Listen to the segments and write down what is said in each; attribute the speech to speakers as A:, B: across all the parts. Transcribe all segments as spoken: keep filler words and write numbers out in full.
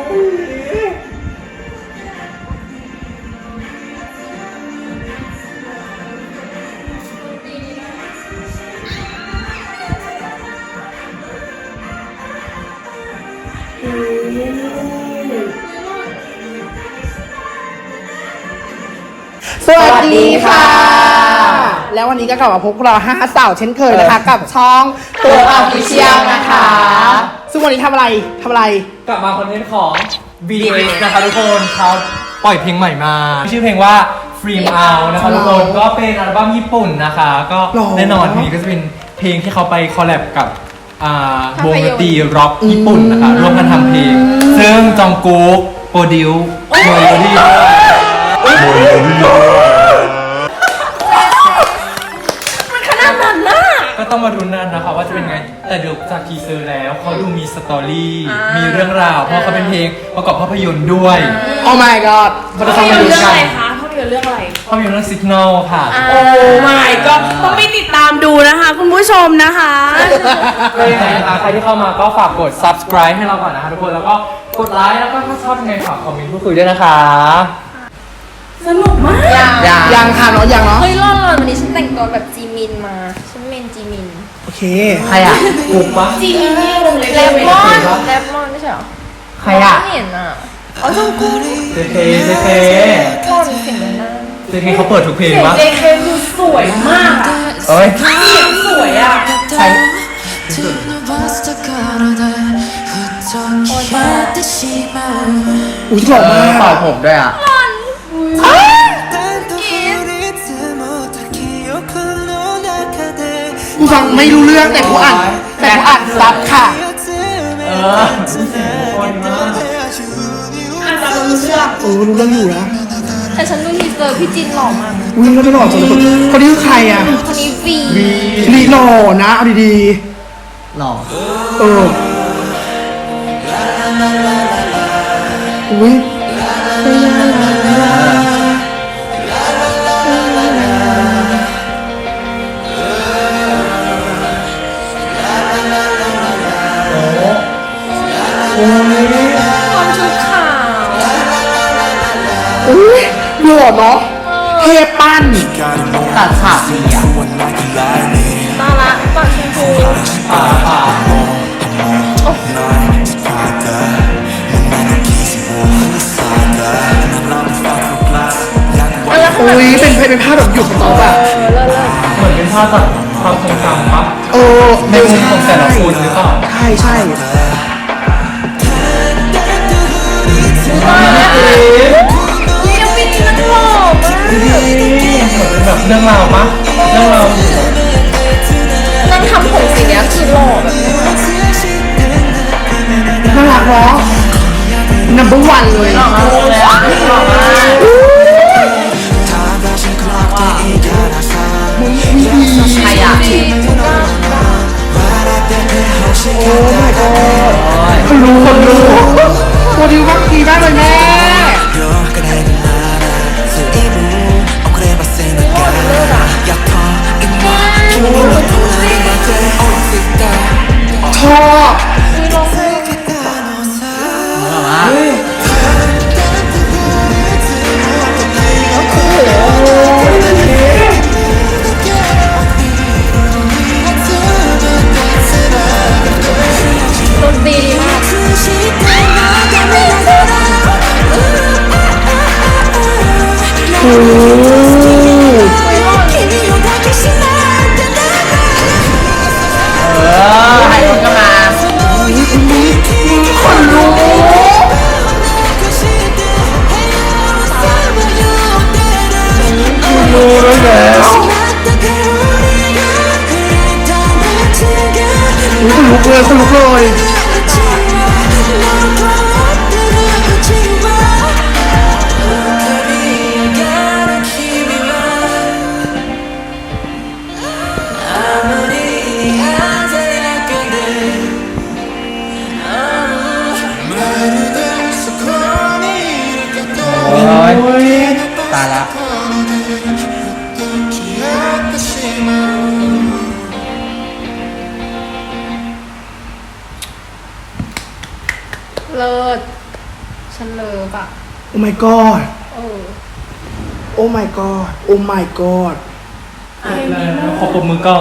A: สวัสดีค่ะแล้ววันนี้ก็กลับมาพบเราห้าสาวเช่นเคยนะคะกับช่องตัวออฟฟิเชียลนะคะซึ่งวันนี้ทำอะไรทำอะไร
B: กลับมาคอนเทนต์ของ บี ดี เอส นะคะทุกคนเขาปล่อยเพลงใหม่มาชื่อเพลงว่า Freem Out นะคะทุกคนก็เป็นอัลบั้มญี่ปุ่นนะคะก็แน่นอนเพลงนี้ก็จะเป็นเพลงที่เขาไปคอลแลบกับวงดนตรีร็อกญี่ปุ่นนะคะร่วมกันทำเพลงซึ่งจองกุ๊กโปรดิวโดยโดดี้
A: มันขนาดนั้นนะ
B: ก็ต้องมาดูนั่นนะคะว่าจะเป็นไงแต่ดูจากทีเซอร์แล้วเขาดูมีสตอรี่มีเรื่องราวเพราะเขาเป็นเพลงประกอบภาพยนตร์ด้วย
A: โอ้ my god
C: ภาพยนตร์เรื่องอะไรคะภาพยนตร์เรื่องอะไร
B: ภาพยนตร์เรื่อง Signal ค่ะ
C: โอ้ my god ต้องไปติดตามดูนะคะคุณผู้ชมนะคะ
B: ก็ยังไงนะคะใครที่เข้ามาก็ฝากกด subscribe ให้เราก่อนนะคะทุกคนแล้วก็กดไลค์แล้วก็ถ้าชอบยังไงฝากคอมเมนต์พูดคุยด้วยนะคะ
C: สนุกมาก
A: ยังยังค่ะเนาะยังเนาะ
D: เฮ้ยรอดเลยวันนี้ฉันแต่งตัวแบบจีมินมาฉันเมนจีมิน
A: โอเค
B: ใครอ่ะกุ๊กปะ
C: จีมินที่วงเล็บ
D: แรปมอนแรปมอนไม่ใช่หรอ
B: ใครอ่ะ
D: ไม่เห็นอ่ะอ๋อจงกู
B: เจเจเจเจ
D: มอนเสียงนั้น
B: เจเจเขาเปิดทุกเพลงวะ
C: เจเจดูสวยมากอ่ะ
B: เอ้ย
C: เสียงสวยอ่ะ
B: ใช่
A: อุ้ยหล่อมาก
B: เป่าผมด้วยอ่ะ
A: กูฟังไม่รู้เรื่องแต่กูอ่านแต่กูอ่านซับค่ะ
B: เออคนมาก
C: อ่านซับรู้เรื่อง
A: เออรู้เรื่องอยู่นะ
D: แต่ฉันดูทีเซอร์พี่จินหล่อมาก
A: วิ่งแล้วไม่หล่อจังเลยคนนี้คือใครอ่ะ
D: คนนี้วี
A: ลีหล่อนะเอาดี
B: ๆหล่อ
A: เอออุ้ย
D: ความชุดขาว
A: อุ้ยหล่อเนาะเทปั้น
B: ตัดฉากดีอ่ะ
D: ตาละปากชมพู
B: ป่าป่า
A: อุ้ยเป็นเป็นภาพแบบหยุดต่อแบบ
B: เหมือนเป็นภาพแบบความทรงจำปะ
A: เออ
B: ในมุมของแต่ละคนหรือเปล่า
A: ใช่ใช่
D: ยังไม่ดีนักหล่อมาก
B: เหมือนเป็นแบบเรื่องราวปะเรื่องราว
D: นั่งทำผมสีนี้คือหล่อแบบ
A: น่ารักเนาะ number one เลย
B: หล่อมากเลยอ่ะหล่อมาก
A: ใครอ่ะโอ้ my god คนรู้คนรู้โปรดิวมากดีมากเลยแม่ชอบโอ้
B: เออให้คนก็มา
A: คนรู้รู้แล้วคนลุกเลยคนลุกเลย
B: ตายละ
D: เลิศฉันเลิฟอ่ะ
A: โอ้ my god
D: เออ
A: โอ้ my god โอ้ my god
B: ขอปรบมือก่อน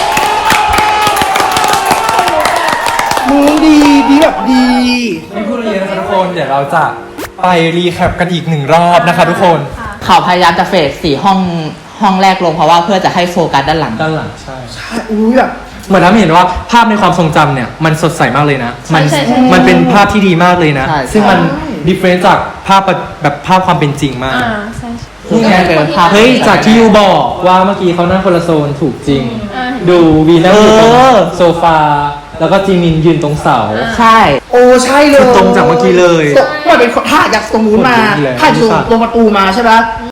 A: มึงดีดีแบบดี
B: ไม่พูดอะไรเยอะนะคะทุกคน เดี๋ยวเราจะไปรีแคปกันอีกหนึ่งรอบนะคะทุกคน
E: เขาพยายามจะเฟสสี่ห้องห้องแรกลงเพราะว่าเพื่อจะให้โฟกัสด้านหลัง
B: ด้านหลังใช่
A: ใช่อุ้ยแบบ
B: เหมือนทำให้เห็นว่าภาพในความทรงจำเนี่ยมันสดใสมากเลยนะ มัน
D: ใช่ใช่
B: มันเป็นภาพที่ดีมากเลยนะ
E: ใช่
B: ซึ่งมัน
A: ใช่
B: ดิเฟรนซ์จากภาพแบบภาพความเป็นจริงมาก
D: อ่าใช่ใช่
B: นี่ไง
E: ก็เป็นภาพ
B: เฮ้ยจากที่ยูบอกว่าเมื่อกี้เขานั่งคนละโซนถูกจริง
D: อ่า
B: ดูวีนั่งอยู่ตรง
E: เออ
B: โซฟา แล้วก็จีมินยืนตรงเสา
E: ใช่
A: โอ้ใช่เลย
B: คือตรงจากเมื่อกี้เลย
A: ตรงเหมือนเป็นถ่ายจากตรงนู้นมา
B: คนนู้นเลย
A: ถ่ายจากตรงประตูมาใช่ปะ
D: อื